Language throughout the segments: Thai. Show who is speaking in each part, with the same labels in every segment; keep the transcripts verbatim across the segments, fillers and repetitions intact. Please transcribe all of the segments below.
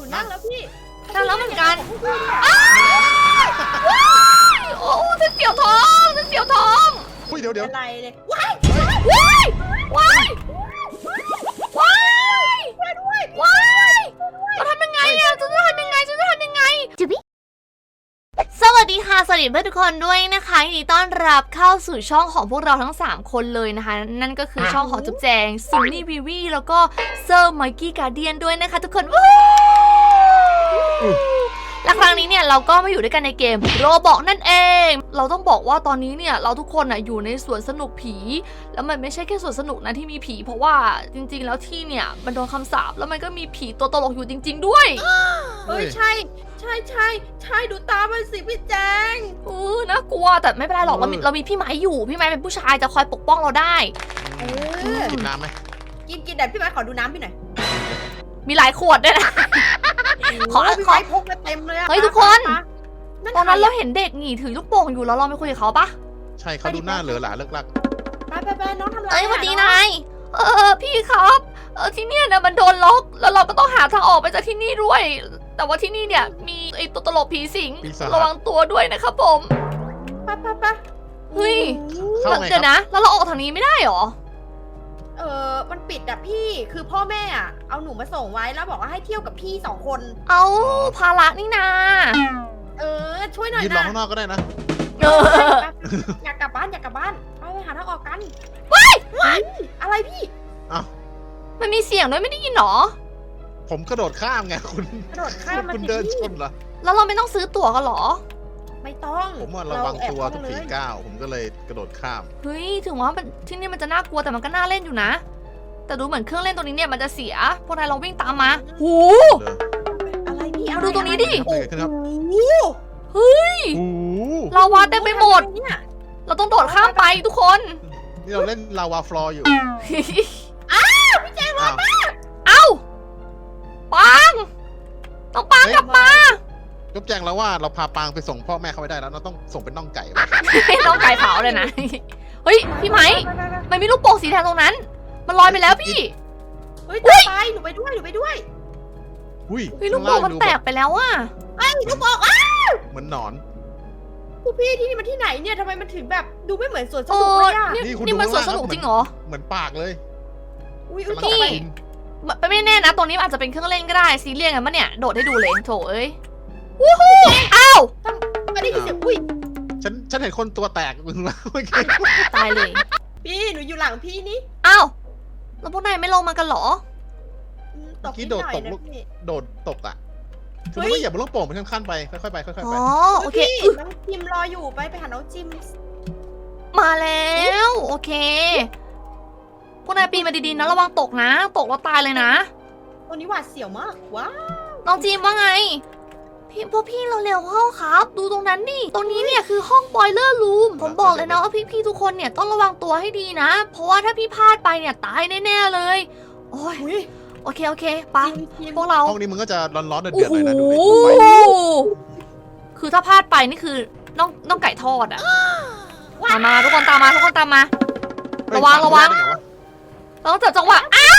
Speaker 1: นั่งแล้วพี่
Speaker 2: นั่งแล้วเหมือนกันอ้าวว้ายโอ้ฉันเสียวท้องฉันเสียวท้อง
Speaker 3: อุ้ยเดี๋ยวเดี๋ยว
Speaker 1: อะไรเลยว้าย
Speaker 2: ว้ายว้ายว้าย
Speaker 1: ช่วยด้วย
Speaker 2: ว้ายเราทำยังไงอะฉันจะทำยังไงฉันจะทำยังไงจุ๊บสวัสดีค่ะสวัสดีเพื่อนทุกคนด้วยนะคะยินดีต้อนรับเข้าสู่ช่องของพวกเราทั้งสามคนเลยนะคะนั่นก็คือช่องของจุ๊บแจงซุนนี่วีวีแล้วก็เซอร์ไมกี้การเดียนด้วยนะคะทุกคนวู้และครั้งนี้เนี่ยเราก็มาอยู่ด้วยกันในเกมโรบอกนั่นเองเราต้องบอกว่าตอนนี้เนี่ยเราทุกคนอ่ะอยู่ในสวนสนุกผีแล้วมันไม่ใช่แค่สวนสนุกนะที่มีผีเพราะว่าจริงๆแล้วที่เนี่ยมันโดนคำสาปแล้วมันก็มีผีตัวตลกอยู่จริงๆด้วย
Speaker 1: เฮ้ยใช่ใช่ใช่ใช่ดูตามันสิพี่แจง
Speaker 2: เออน่ากลัวแต่ไม่เป็นไรหรอกเรามีเรามีพี่ไม้อยู่พี่ไม้เป็นผู้ชายจะคอยปกป้องเราได้
Speaker 1: เออ
Speaker 3: กินน้ำไหม
Speaker 1: กินกินแต่พี่ไม้ขอดูน้ำพี่หน่อย
Speaker 2: มีหลายขวดด้วยนะ ขอ
Speaker 1: โพี่
Speaker 2: ขอ
Speaker 1: ไม้พกมาเต็มเลยอะ
Speaker 2: เฮ้ยทุกคน ตอนนั้นเราเห็นเด็กหนีถือลูกโป่งอยู่แล้วเราไปคุยกับเขาปะ
Speaker 3: ใช่เขาดูหน้าเหลือหลาเลิกลัก
Speaker 1: ไปไปไปน้องทำไร
Speaker 2: เอ้ยสวัสดีนายเออพี่ครับเออที่เนี่ยนะมันโดนล็อกแล้วเราก็ต้องหาทางออกไปจากที่นี่ด้วย แต่ว่าที่นี่เนี่ยมีไอ้ตัวตลกผีสิงระวังตัวด้วยนะครับผม
Speaker 1: ไปไปไป
Speaker 2: เฮ้ย
Speaker 3: เข้าไงค
Speaker 2: เดี๋ยว
Speaker 3: รับ
Speaker 2: นะแล้วเราออกทางนี้ไม่ได้หรอ
Speaker 1: เออมันปิดอะพี่คือพ่อแม่อะเอาหนูมาส่งไว้แล้วบอกว่าให้เที่ยวกับพี่สองคน
Speaker 2: เอาภาระนี่นา
Speaker 1: เออช่วยหน่อย
Speaker 3: ยืนรอ
Speaker 1: นะ
Speaker 3: ข้างนอกก็ได้นะ
Speaker 2: เออ
Speaker 1: อยากกลับบ้านอยากกลับบ้านไปไปหาทางออกกัน
Speaker 2: ว้าย
Speaker 1: อะไรพี่
Speaker 3: อ้าว
Speaker 2: มันมีเสียงด้วยไม่ได้ยินหรอ
Speaker 3: ผมกระโดดข้ามไงคุณ
Speaker 1: กระโดดข้ามมา
Speaker 3: คุณ
Speaker 1: สิ
Speaker 3: เดินช
Speaker 1: พี่
Speaker 3: นเหรอ
Speaker 2: แล้วเราไม่ต้องซื้อตั๋วกันหรอ
Speaker 1: ไม่ต้อง
Speaker 3: ผมว่าระวังตัว
Speaker 1: เาแอบ
Speaker 3: ทุก
Speaker 1: เข้า
Speaker 3: ฝี
Speaker 1: มาเลย
Speaker 3: ก้าวผมก็เลยกระโดดข้าม
Speaker 2: เฮ้ยถึงว่ามันที่นี่มันจะน่ากลัวแต่มันก็น่าเล่นอยู่นะ แต่ดูเหมือนเครื่องเล่นตรงนี้เนี่ยมันจะเสีย พวกนายลองวิ่งตามมาหู
Speaker 3: เลย
Speaker 1: อะไรพี่
Speaker 2: มาดูตรงนี้ดิ
Speaker 3: เกิดอะไรขึ้นครับ
Speaker 1: โอ้
Speaker 2: เฮ้ย
Speaker 3: โอ้โห
Speaker 2: ลาวาเต็มไปหมด
Speaker 1: เนี่ย
Speaker 2: เราต้องโดดข้ามไปทุกคน
Speaker 3: นี่เราเล่นลาวาฟลอร์อยู่
Speaker 1: พี่แจง
Speaker 3: อ้าว
Speaker 2: เอ้าปังต้องปังกลับมา
Speaker 3: จบแจงแล้วว่าเราพาปางไปส่งพ่อแม่เขาไม่ได้แล้วเราต้องส่งเป็นน่องไก่ว่ะ
Speaker 2: ต้องไก่เผาเลยนะ เฮ้ยพี่ไหมมันมีลูกโป่งสีแดงตรงนั้น มันลอยไปแล้วพี่
Speaker 1: เฮ้ยตามไปหนูไปด้วยหนูไปด้วย
Speaker 3: อุ้ย
Speaker 2: เฮ้ยลูกโป่งมันแตกไปแล้วอะ
Speaker 1: ไอ้ลูกบอกอ่ะ
Speaker 3: เหมือนหนอน
Speaker 1: คุณพี่ที่นี่มันที่ไหนเนี่ยทำไมมันถึงแบบดูไม่เหมือนสวนส
Speaker 2: เอ
Speaker 1: นุก
Speaker 2: อ
Speaker 1: เลยอ่ะ
Speaker 2: นี่
Speaker 3: นี่คุณ
Speaker 2: นี่มัน
Speaker 3: ดู
Speaker 2: สวน
Speaker 3: ข้าง
Speaker 2: ส
Speaker 3: ล่าง
Speaker 2: นุก
Speaker 3: ครับ
Speaker 2: จริงเหรอ
Speaker 3: เหมือนปากเลย
Speaker 1: อุ้ยอุ้ย
Speaker 3: กำลัง
Speaker 1: ตก
Speaker 3: จะ
Speaker 1: ไป
Speaker 3: กิน
Speaker 2: ไม่แน่นะตรงนี้มันอาจจะเป็นเครื่องเล่นก็ได้ซีเรียสกันปะเนี่ยโดดให้ดูเลยโถเอ้ยวู้ฮู้อ้าว
Speaker 1: ไม่ได้ยินเสียงอุ้ย
Speaker 3: ฉันฉันเห็นคนตัวแตกมึงแล้วเมื่อกี้
Speaker 2: ตายเลย
Speaker 1: พี่หนูอยู่หลังพี่นี่
Speaker 2: อ้าวแล้วพวกนายไม่ลงมากันเหรอ
Speaker 1: อืมตกนิดหน่อยนะพี่
Speaker 3: โดดตกอ่ะคือ
Speaker 1: เฮ้
Speaker 3: มัน
Speaker 1: ย
Speaker 3: ก็อย่าบนลูกโป่งเป็นขั้นๆไปค่อยๆไปค่อยๆ
Speaker 2: อ๋
Speaker 3: ไป
Speaker 2: อโอเค
Speaker 1: พี่
Speaker 2: อึ๊ะ
Speaker 1: น้องจิมรออยู่ไปไปหาน้องจิม
Speaker 2: มาแล้วโอเคพวกนายปีนมาดีๆนะระวังตกนะ ตกแล้วตายเลยนะ
Speaker 1: ตัวนี้หวาดเสียวมากว้าว
Speaker 2: น้องจีมว่าไงพี่พวกพี่เราเร็วเข้าครับ ดูตรงนั้นดิตรงนี้เนี่ยคือห้องบอยเลอร์รูมผมบอกเลยนะว่าพี่ๆทุกคนเนี่ยต้องระวังตัวให้ดีนะ เพราะว่าถ้าพี่พลาดไปเนี่ยตายแน่ๆเลยโอ้ย
Speaker 1: อุ้ย
Speaker 2: โอเคโอเคไป
Speaker 1: จิมจิม
Speaker 2: พวกเรา
Speaker 3: ห้องนี้มันก็จะร้อนๆเดื
Speaker 2: โอ้
Speaker 3: อดๆ
Speaker 2: โห
Speaker 3: เลยนะดูดิไฟ
Speaker 2: คือถ้าพลาดไปนี่คือน้องน้องไก่ทอดอะมามาทุกคนตามมาทุกคนตามมา
Speaker 3: เฮ้ย
Speaker 2: ระวังระวัง
Speaker 3: ได้ไะ
Speaker 2: เราต้องจับจังหวะอ้าว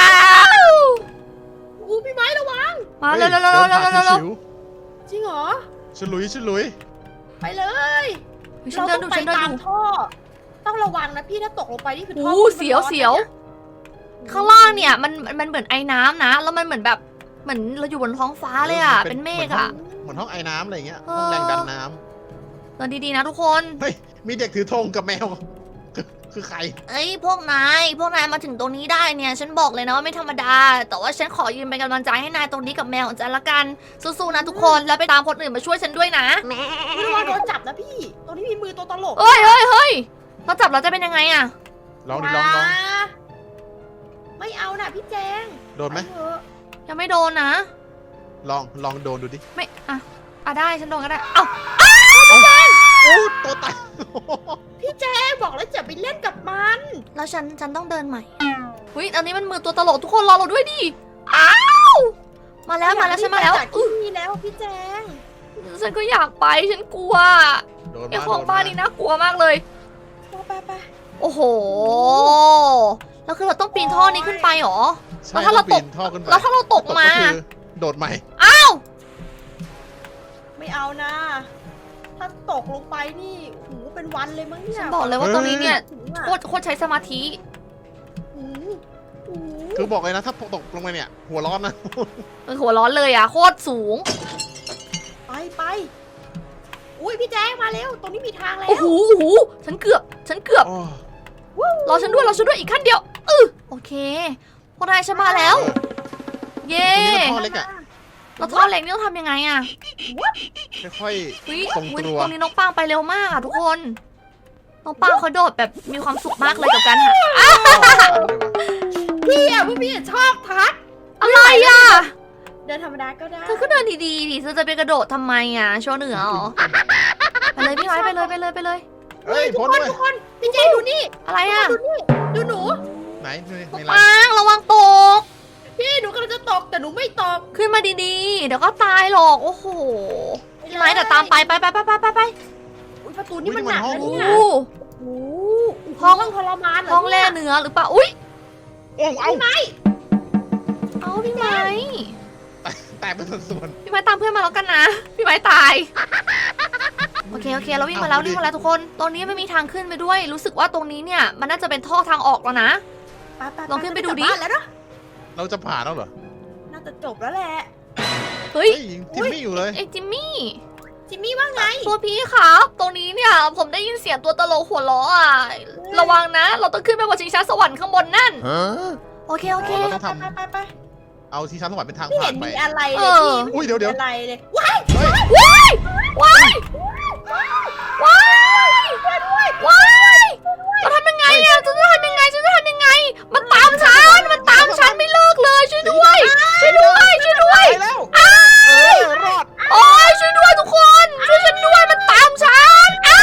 Speaker 1: อู้พี่ไม้ระวัง
Speaker 2: มา
Speaker 3: ฮ้ย
Speaker 2: เร็วเร็วเร็วเร็ว
Speaker 3: ดินผ่าน
Speaker 2: เร็วเร็ว
Speaker 3: ชิว
Speaker 1: จริงเหรอ
Speaker 3: ๆฉลุยฉลุย
Speaker 1: ไปเลย
Speaker 2: เฮ้ยฉันเดินดู
Speaker 1: รา
Speaker 2: ฉันเดิ
Speaker 1: ต้อน งไปตาม
Speaker 2: ดู
Speaker 1: ท่อต้องระวังนะพี่ถ้าตกลงไปนี่คือท่อ
Speaker 2: โอ้เสียวเสียว ข้างล่างเนี่ยมันมันเหมือนไอ้น้ำนะ แล้วมันเหมือนแบบเหมือนเราอยู่บนท้องฟ้าเลยอ่ะ เป็นเมฆอ่ะ
Speaker 3: เหมือนห้องไอ้น้ำอะไรอย่างเงี้ย
Speaker 2: เออ
Speaker 3: ห้องแรงดันน้
Speaker 2: เดินดีๆนะทุกคน
Speaker 3: ำเฮ้ยมีเด็กถือธงกับแมว คือคือใคร
Speaker 2: เอ้ยพวกนายพวกนายมาถึงตรงนี้ได้เนี่ยฉันบอกเลยนะว่าไม่ธรรมดา แต่ว่าฉันขอยืนเป็นกำลังใจให้นายตรงนี้กับแมวของฉันละกันสู้ๆนะทุกคนแล้วไปตามคนอื่นมาช่วยฉันด้วยนะ
Speaker 1: ระวังโดนจับนะพี่ตรงนี้มีมือตัวตลก
Speaker 2: เอ้ยเฮ้ยเฮ้ยเราจับเราจะเป็นยังไงอ่ะ
Speaker 3: ลองดิลองลอง
Speaker 1: าไม่เอาน่ะพี่แจง
Speaker 3: โดนไหม
Speaker 1: ปเถอะ
Speaker 2: ยังไม่โดนนะ
Speaker 3: ลองลองโดนดูดิ
Speaker 2: ไม่อ่ะอ่ะได้ฉันโดนก็ได้เอ้า
Speaker 3: โอ้ตัวแตก
Speaker 1: พี่แจงบอกแล้วจะไปเล่นกับมัน
Speaker 2: แล้วฉันฉันต้องเดินใหม่อุ้ยอันนี้มันมือตัวตลกทุกคนรอเราด้วยดิอ้าวมาแล้วมาแล้วฉันมาแล้ว
Speaker 1: อยกรีบไปจากที่นี่แล้วพี่แจง
Speaker 2: ฉันก็อยากไปฉันกลัว
Speaker 3: โดน
Speaker 2: ไอ้
Speaker 3: มา
Speaker 2: ของ
Speaker 3: โดน
Speaker 2: บ้าน
Speaker 3: มา
Speaker 2: นี่น่ากลัวมากเลย
Speaker 1: ไปไป
Speaker 2: โอ้โห แล้วคือเราต้องปีนท่อนี้ขึ้นไปเหรอ
Speaker 3: ใช่
Speaker 2: แล้วถ้าเราตก
Speaker 3: องปีนท่อขึ้นไป
Speaker 2: แล้วถ้าเราตกมา
Speaker 3: ก็คือโดดใหม่
Speaker 2: เอ้า
Speaker 1: ไม่เอานะ ถ้าตกลงไปนี่โอ้โหเป็นวันเลยมั้งเนี่ย
Speaker 2: ฉันบอกเลยว่าตรงนี้เนี่ย
Speaker 1: ถึงอะ
Speaker 2: โคตรโคตรใช้สมาธิ
Speaker 1: อืมอืม
Speaker 3: คือบอกเลยนะถ้าตกลงไปเนี่ย หัวร้อนนะ
Speaker 2: เออหัวร้อนเลยอ่ะโคตรสูง
Speaker 1: ไปไปอุ้ยพี่แจ้งมาเร็วตรงนี้มีทางแล้ว
Speaker 2: โอ้โหโอ้โหฉันเกือบ ฉันเกือบ
Speaker 3: โอ้
Speaker 2: รอฉันด้วยรอฉันด้วยอีกขั้นเดียวเออโอเคพวกนายฉันมาแล้ว เย้
Speaker 3: ตรงนี้มันท่อเล็กอะ
Speaker 2: เราท่อเล็กนี่ต้องทำยังไงอะ
Speaker 3: ค่อย
Speaker 2: อุ๊ย
Speaker 3: ทรง
Speaker 2: อุ๊ย
Speaker 3: ตัว
Speaker 2: ตรงนี้น้องปางไปเร็วมากอะทุกคน น้องปางเขาโดดแบบมีความสุขมากเลยกับการหาอ้าว
Speaker 3: ๆ
Speaker 1: พี่อ่ะพวกพี่อะชอบทัก
Speaker 2: อะไรอะ
Speaker 1: เดินธรรมดาก็ได้
Speaker 2: เธอก็เดินดีๆดิเธอจะไปกระโดดทำไมอะโชว์เหนือเหรอไปเลยพี่ไม้ไปเลยไปเลยไปเลย
Speaker 3: เฮ้ย
Speaker 1: ทุก
Speaker 3: พ้น
Speaker 1: คน
Speaker 3: ด้วย
Speaker 1: ทุกคนพี่แจ้งดูนี่
Speaker 2: อะไรอะ
Speaker 1: ดูนี่ดูหนู
Speaker 3: ไหนใน
Speaker 2: น้อง
Speaker 3: ในร้าน
Speaker 2: ปางระวังตก
Speaker 1: พี่หนูกำลังจะตกแต่หนูไม่ตก
Speaker 2: ขึ้นมาดีๆ เดี๋ยวก็ตายหรอก โอ้โห พี่ไม้แต่ตามไปไปไปไปไปไปไป
Speaker 1: อุ๊ยประตูนี่มันหนักนะ
Speaker 2: โอ้
Speaker 1: เนี่ย
Speaker 2: โห
Speaker 1: โอ้
Speaker 2: ห้อง
Speaker 1: ห้องทรมานเหรอ
Speaker 2: ห้องแร่
Speaker 1: เนี่ย
Speaker 2: เนื้อหรือเปล่า อุ้ย
Speaker 3: โอ้เอา
Speaker 2: เอาพี่ไม้
Speaker 3: แตกเป็นส่วน
Speaker 2: พี่ไม้ตามเพื่อนมาแล้วกันนะ พี่ไม้ตาย โอเคโอเคเราวิ่งมาแล้ว
Speaker 3: เอาดิ
Speaker 2: วิ่งมาแล้วทุกคน ตรงนี้ไม่มีทางขึ้นไปด้วย รู้สึกว่าตรงนี้เนี่ยมันน่าจะเป็นท่อทางออกแล้วนะ
Speaker 1: ไปไป
Speaker 2: ลองขึ้นไปดูดิ
Speaker 1: กลับบ้านแล้วเนอะ
Speaker 3: ๆเราจะผ่านแล้วเหรอ
Speaker 1: น่าจะจบแล้วแหละ
Speaker 2: เฮ้ย
Speaker 3: เฮ้ยยังทิมมี่อยู่เลย
Speaker 2: ไอ้จิมมี่
Speaker 1: จิมมี่ว่าไง
Speaker 2: ตัวพี่ครับ ตรงนี้เนี่ยผมได้ยินเสียงตัวตลกหัวล้ออ่ะ ระวังนะ เราต้องขึ้นไปบนชิงช้าสวรรค์ข้างบนนั่น โอเคโอเค
Speaker 3: เราต้องท
Speaker 1: ไปไปไป
Speaker 3: ำเอาที่ชั้นสวรรค์เป็นทาง
Speaker 1: ไม่
Speaker 3: ผ่า
Speaker 1: เห็
Speaker 3: น
Speaker 1: น
Speaker 3: ไป
Speaker 1: มีอะไร
Speaker 2: เอ
Speaker 1: เลย
Speaker 2: อ
Speaker 1: พี่
Speaker 3: อุ้ยเดี๋ยวเดี๋ยว
Speaker 1: อะไรเลยว้าย
Speaker 3: เฮ้ย
Speaker 2: ว้ายว้ายว้ายว้ายเราทำยังไงอะฉันจะทำยังไงฉันจะทำยังไง มันตามฉัน มันตามฉันไม่เลิกเลย ช่วยด้วย ช่วยด้วย ช่วยด้วย
Speaker 3: ไปแล้วเออรอด
Speaker 2: โอ้ยช่วยด้วยทุกคน ช่วยฉันด้วย มันตามฉันอ้าว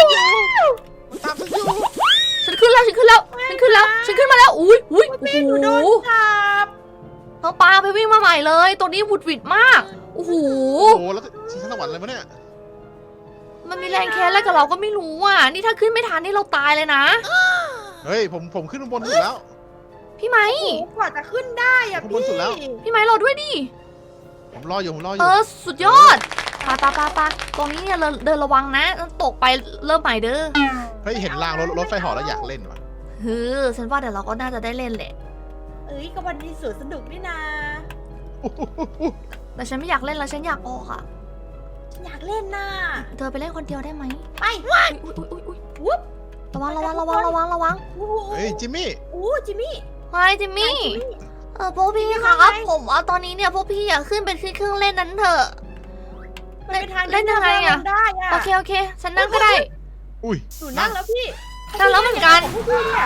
Speaker 3: มันตามฉันอยู่
Speaker 2: ฉันขึ้นแล้ว ฉันขึ้นแล้ว ฉันขึ้นแล้ว ฉันขึ้นมาแล้ว อุ้ยอุ้ยโอ้
Speaker 1: พี่หนู
Speaker 2: โห
Speaker 1: โดนจับ
Speaker 2: น้องปลาไปวิ่งมาใหม่เลย ตัวนี้หวุดหวิดมาก โอ้โห
Speaker 3: โอ้โหแล้วที่ชั้นสวรรค์อะไรวะเนี่ย
Speaker 2: มันมีแรงแค้นอะไรกับเราก็ไม่รู้อ่ะ นี่ถ้าขึ้นไม่ทันนี่เราตายเลยนะ
Speaker 3: เฮ้ยผมผมขึ้นข้างบนสุดแล้ว
Speaker 2: พี่ไม้
Speaker 1: โอ้โหกว่าจะขึ้นได้อะ
Speaker 3: ข้างบ
Speaker 1: พี่
Speaker 3: นสุดแล้ว
Speaker 2: พี่ไม้รอด้วยดิ
Speaker 3: ผมรออยู่ผมรออ
Speaker 2: เอยู่ อ สุดยอดปาปาปาปาตรงนี้เนี่ยเดินเดินระวังนะ ตกไปเริ่มใหม่เด้อ
Speaker 3: เฮ้ยเห็นรางรถรถไฟเหอแล้วอยากเล่นว่ะ
Speaker 2: เฮ้อฉันว่าเดี๋ยวเราก็น่าจะได้เล่นแหละ
Speaker 1: เอ้ยก็วันนี้สวนสนุกนี่นา
Speaker 2: แต่ฉันไม่อยากเล่นแล้วฉันอยากออกอ่ะ
Speaker 1: ฉันอยากเล่นน่ะ
Speaker 2: เธอไปเล่นคนเดียวได้ไหม
Speaker 1: ไป
Speaker 2: อุ๊ยอุ๊ยอุ๊ยอุ๊ย
Speaker 1: วุ๊บ
Speaker 2: ระวังระวังระวังระวังระวัง
Speaker 1: โอ้โห
Speaker 3: เฮ้ยจิมมี่
Speaker 1: โอ้จิมมี่
Speaker 2: ไฮจิมมี่
Speaker 1: จิมมี่
Speaker 2: เออพวกพี่ครับ
Speaker 1: ว่าไง
Speaker 2: ผมว่าตอนนี้เนี่ยพวกพี่อยากขึ้นไปขึ้นเครื่องเล่นนั้นเถอะ
Speaker 1: มันเป็นทาง
Speaker 2: เล่นยังไงอะ
Speaker 1: ที่เราได้อะ
Speaker 2: โอเคโอเค ฉันนั่งก็ได้
Speaker 3: อุ้ย
Speaker 1: หนูนั่งแล้วพี่
Speaker 2: นั่งแล้วเหมือนกัน
Speaker 1: พวพี่เนี่ย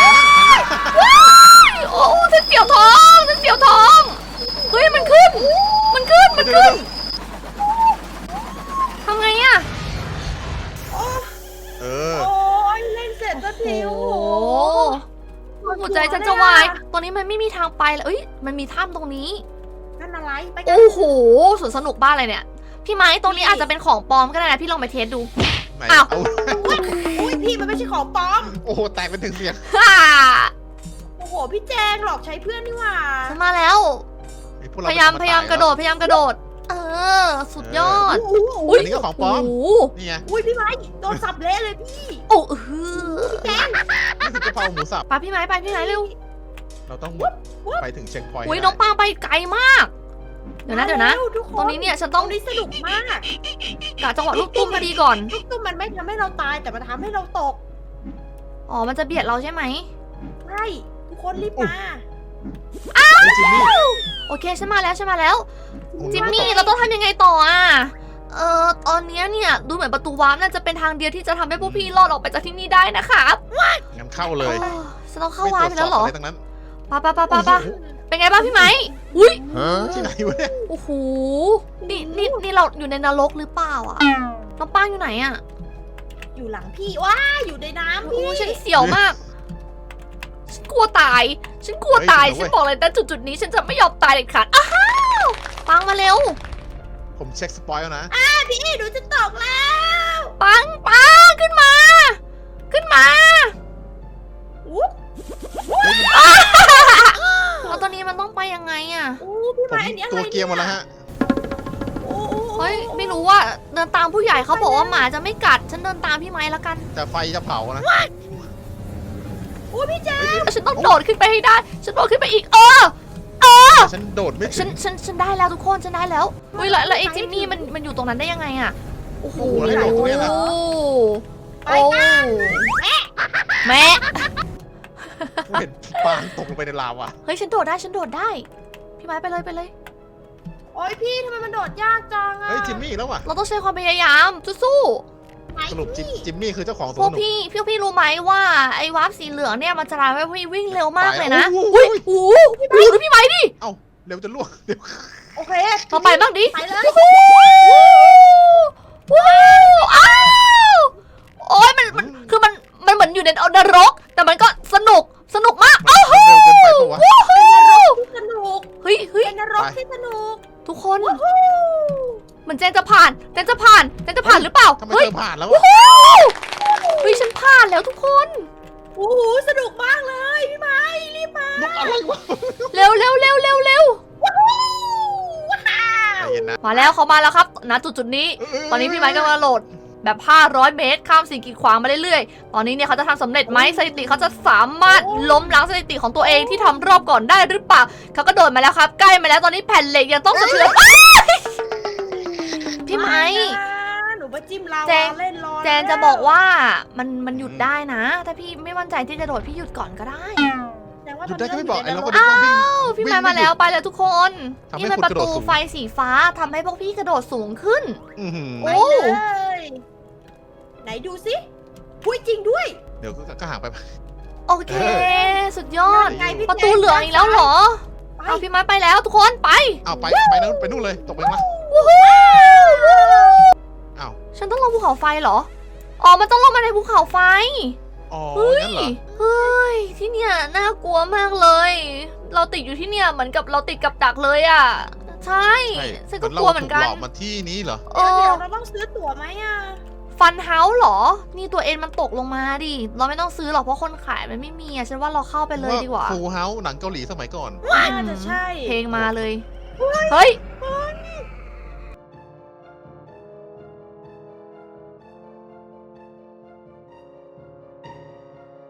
Speaker 2: โอ้ฉันเสียวท้องฉันเสียวท้อง เฮ้ยมันขึ้น มันขึ้น มันขึ้นทำไงอะ
Speaker 3: เออ
Speaker 1: โอ้ยเล่นเสร็จสักทีโอ้โห
Speaker 2: หัวใจฉันจะวาย ตอนนี้มันไม่มีทางไปเลยเอ้ย มันมีถ้ำตรงนี้
Speaker 1: นั่นอะไรไปกัน
Speaker 2: โอ้โหสวนสนุกบ้านอะไรเนี่ย พี่ไม้ตรงนี้อาจจะเป็นของปลอมก็ได้นะพี่ลองไปเทสดู
Speaker 3: ไหน
Speaker 2: อ้าว
Speaker 3: เอา
Speaker 1: อุ้ยพี่มันไม่ใช่ของปลอม
Speaker 3: โอ้โหแตกเป็นถึงเสียง
Speaker 2: ฮ่า
Speaker 1: โอ้โหพี่แจงหลอกใช้เพื่อนนี่หว่า
Speaker 2: ฉันมาแล้ว
Speaker 3: ไอ้พวกเร
Speaker 2: พยายาม
Speaker 3: จะ
Speaker 2: พยายามกระโดด พยายามกระโดด เออ สุดยอด
Speaker 1: โอ้โห
Speaker 3: อันนี้ก็ของปลอม
Speaker 2: โโห
Speaker 3: นี่ไง
Speaker 1: อุ้ยพี่ไม้โดนสับเละเลยพี่
Speaker 2: โอ้เออ
Speaker 1: พี่แจง
Speaker 3: นี่คือกะเพราหมูสับ
Speaker 2: ไปพี่ไม้ไปพี่ไม้เร็ว
Speaker 3: เราต้องไปถึงเช็คพอยต์
Speaker 2: อุ้ย
Speaker 3: ให้
Speaker 2: น้อง
Speaker 3: ได้
Speaker 2: ปางไปไกลมาก เดี๋ยวนะเดี๋ยวนะ
Speaker 1: มาร็ทุกค
Speaker 2: ตรงนี้เนี่ยฉัน
Speaker 1: ต
Speaker 2: ต้
Speaker 1: ร
Speaker 2: อง
Speaker 1: งนี้สนุกมาก
Speaker 2: กะจังหวะลูกตุ้มพอดีก่อน
Speaker 1: ลูกตุ้มมันไม่ทำให้เราตายแต่มันทำให้เราตก
Speaker 2: อ๋อ มันจะเบียดเราใช่ไหม
Speaker 1: ใช่ทุกคนรีบมา
Speaker 3: เฮ้ยจิมมี่
Speaker 2: โอเคฉันมาแล้วฉันมาแล้ว
Speaker 3: โอ้โห
Speaker 2: จิมมี่เราต้องทำยังไงต่ออ่ะ เอ่อ ตอนเนี้ยเนี่ยดูเหมือนประตูวาร์ปน่าจะเป็นทางเดียวที่จะทำให้พวกพี่รอดออกไปจากที่นี่ได้นะครับ
Speaker 3: งั้นเข้าเลย
Speaker 2: โอ้ฉันต้องเข้าวาร์ปไปแล้วเหรอ
Speaker 3: ไม่ตจสบะไทั้งนั้น
Speaker 2: ปะปะปะปะปะเป็นไงบ้างพี่ไหมอุ้ย
Speaker 3: ที่ไหนวะเนี่ย
Speaker 2: โอ้โห นี่นี่นี่เราอยู่ในนรกหรือเปล่าอ่ะ น้องป้างอยู่ไหนอ่ะ
Speaker 1: อยู่หลังพี่ว้าอยู่ในน้ำ
Speaker 2: โอ้
Speaker 1: พี่
Speaker 2: ฉันเสียวมาก ฉันกลัวตาย ฉันกลัวตาย ฉันบอกเลยแต่จุดจุดๆนี้ฉันจะไม่ยอมตายเด็ดขาด อ้าวปังมาเร็ว
Speaker 3: ผมเช็คสปอยแล้วนะ
Speaker 1: พี่หนูจะตกแล้ว
Speaker 2: ปังปังขึ้นมา ขึ้นมา
Speaker 1: อุ๊บ
Speaker 2: แล้วตอนนี้มันต้องไปยังไงอ่ะ
Speaker 1: อู้พี่
Speaker 3: ผม
Speaker 1: ไม้อันนี้อะไร
Speaker 3: ตัวเกียร์หมดแล้วฮะ
Speaker 1: อู้อู้อู้
Speaker 2: เฮ้ยไม่รู้ว่าเดินตามผู้ใหญ่เขาบอกว่าหมาจะไม่กัด ฉันเดินตามพี่ไม้แล้วกัน
Speaker 3: แต่ไฟจะเผานะ
Speaker 1: โอ้พี่แจ๊ค
Speaker 2: ฉันต้องโดดขึ้นไปให้ได้ ฉันโดดขึ้นไปอีก เออ
Speaker 3: ฉันโดดไม่
Speaker 2: ฉั
Speaker 3: ถึ
Speaker 2: น
Speaker 3: ง
Speaker 2: ฉันฉันได้แล้วทุกคนฉันได้แล้วเฮ้ยแล้วแล้วไอ้จิมมี่มันมันอยู่ตรงนั้นได้ยังไงอะโอ้โห
Speaker 3: โอ้โหแล้วให้โดดตรงเนี้ยนะ
Speaker 2: โอ้แม่
Speaker 3: กูเห็นปางตกลงไปในลาวะ
Speaker 2: เฮ้ยฉันโดดได้ฉันโดดได้ พี่ไม้ไปเลยไปเลย
Speaker 1: โอ้ยพี่ทำไมมันโดดยากจังอะ
Speaker 3: เฮ้ยจิมมี่แล้วว่ะ
Speaker 2: เราต้องใช้ความพยายามสู้
Speaker 1: ไหน
Speaker 3: สรุปจิม
Speaker 1: พี่
Speaker 3: จิมมี่คือเจ้าของส
Speaker 2: ๆ
Speaker 3: ว
Speaker 2: พ
Speaker 3: น
Speaker 2: ว
Speaker 3: ส
Speaker 2: ก
Speaker 3: นุก
Speaker 2: พี่พี่พี่รู้ไหมว่าไอ้วาร์ปสีเหลืองเนี่ยมันจะทำให้พี่วิ่งเร็วมากเลยนะ
Speaker 3: ไป
Speaker 2: อุ้ย
Speaker 3: แล้ว
Speaker 2: โอ้โหโอ้โหดูพี่ไม้ดิ
Speaker 3: เอ้าเร็วจะล่วงเดี๋ยว
Speaker 1: โอเค
Speaker 2: เราไปบ้างดิ
Speaker 1: ไปเลย
Speaker 2: ว้าวอ้าวโอ้ยมันมันคือมันมันเหมือนอยู่ในนรก แต่มันก็สนุกสนุกมาก
Speaker 3: มันเร็วเกินไปปะวะ
Speaker 2: ว้าว
Speaker 1: ที่สนุก
Speaker 2: เฮ้ยเฮ้ย
Speaker 1: เป็นนรก
Speaker 3: ไป
Speaker 1: ที่สนุก
Speaker 2: ทุกคนเหมือนเจนจะผ่านเจนจะผ่านเจนจะผ่านหรือเปล่า
Speaker 3: ทำไม
Speaker 2: เฮ้ย
Speaker 3: เธอผ่านแล้ว
Speaker 2: ว้
Speaker 3: วะ
Speaker 2: าวเฮ้ยฉันผ่านแล้วทุกคน
Speaker 1: โอ้โหสนุกมากเลยพี่ไม้รีบมาน
Speaker 3: กอะไรวะ
Speaker 2: เร็วเร็วเร็วเร็วเร็ว
Speaker 1: ว้าว
Speaker 3: ใจเย็นนะ
Speaker 2: มาแล้วเขามาแล้วครับณจุดจุดนี้
Speaker 3: เย
Speaker 2: ตอนนี้พี่ไม้กำลังโหลดแบบห้าร้อยเมตรข้ามสิ่งกีดขวางมาเรื่อยๆ ตอนนี้เนี่ยเขาจะทำสำเร็จไหมสถิติเขาจะสามารถล้มล้างสถิติของตัวเองที่ทำรอบก่อนได้หรือเปล่าเขาก็โดดมาแล้วครับใกล้มาแล้วตอนนี้แผ่นเหล็กยังต้องสะเทือน พี่ไม้
Speaker 1: นะหนูมาจิ้มลาวา
Speaker 2: แจง
Speaker 1: เล่นรอ
Speaker 2: แจนจะบอกว่ามันมันหยุดได้นะ ถ้าพี่ไม่มั่นใจที่จะโดดพี่หยุดก่อนก็ได้
Speaker 1: แจงว่า
Speaker 3: หยุ
Speaker 1: ต
Speaker 3: ด
Speaker 1: อน
Speaker 3: ได้
Speaker 1: นี้
Speaker 3: ก็ไม่บอกไอ้
Speaker 1: เรา
Speaker 3: เรา
Speaker 1: อยู่
Speaker 3: ก็
Speaker 1: ในนรก
Speaker 3: นึกว่าวิ่ง
Speaker 2: อ้าวพี่ไม้มาแล้วไปแล้วทุกคน
Speaker 3: ทำให้
Speaker 2: นี่มัน
Speaker 3: คุณ
Speaker 2: ประ
Speaker 3: กระโดด
Speaker 2: ตู
Speaker 3: สูง
Speaker 2: ไฟสีฟ้าทำให้พวกพี่กระโดดสูงขึ้น
Speaker 3: อื้อหือ
Speaker 2: โอ้
Speaker 1: ไปเลยไหนดูสิพูดจริงด้วย
Speaker 3: เดี๋ยวก็ก็ห่างไป
Speaker 2: โอเค สุดยอด
Speaker 1: ไงพี่
Speaker 2: ประตูเหลืองอีกแล้วเหรอ
Speaker 1: ไป
Speaker 2: เอาพี่ไม้ไปแล้วทุกคนไป
Speaker 3: เอาไปไปนู่นไปนู่นเลยตกไปข้างล่าง
Speaker 2: วู้ฮู้
Speaker 3: อ้าว
Speaker 2: ฉันต้องลงภูเขาไฟเหรอ อ๋อ มันต้องลงมาในภูเขาไฟ
Speaker 3: อ๋อ
Speaker 2: เฮ้ย
Speaker 3: งั้นเหรอ
Speaker 2: เฮ้ย ที่เนี่ยน่ากลัวมากเลย เราติดอยู่ที่เนี่ยเหมือนกับเราติดกับดักเลยอ่ะ ใช่
Speaker 3: ใช่
Speaker 2: ฉันก็กลัวเหมือนกัน
Speaker 3: ราถูหลอกมาที่นี้เหรอ
Speaker 2: เอ
Speaker 1: เดี๋ยว
Speaker 2: อ
Speaker 1: เราต้องซื้อตั๋วไหมอ่ะ
Speaker 2: ฟันเฮาส์เหรอ นี่ตัวเอ็นมันตกลงมาดิ เราไม่ต้องซื้อหรอกเพราะคนขายมันไม่มีอ่ะ ฉันว่าเราเข้าไปเลยดีกว่า
Speaker 3: ฟูเฮาส์หนังเกาหลีสมัยก่อน
Speaker 1: น่าจะใช่
Speaker 2: เพลงมาเลย เฮ้ย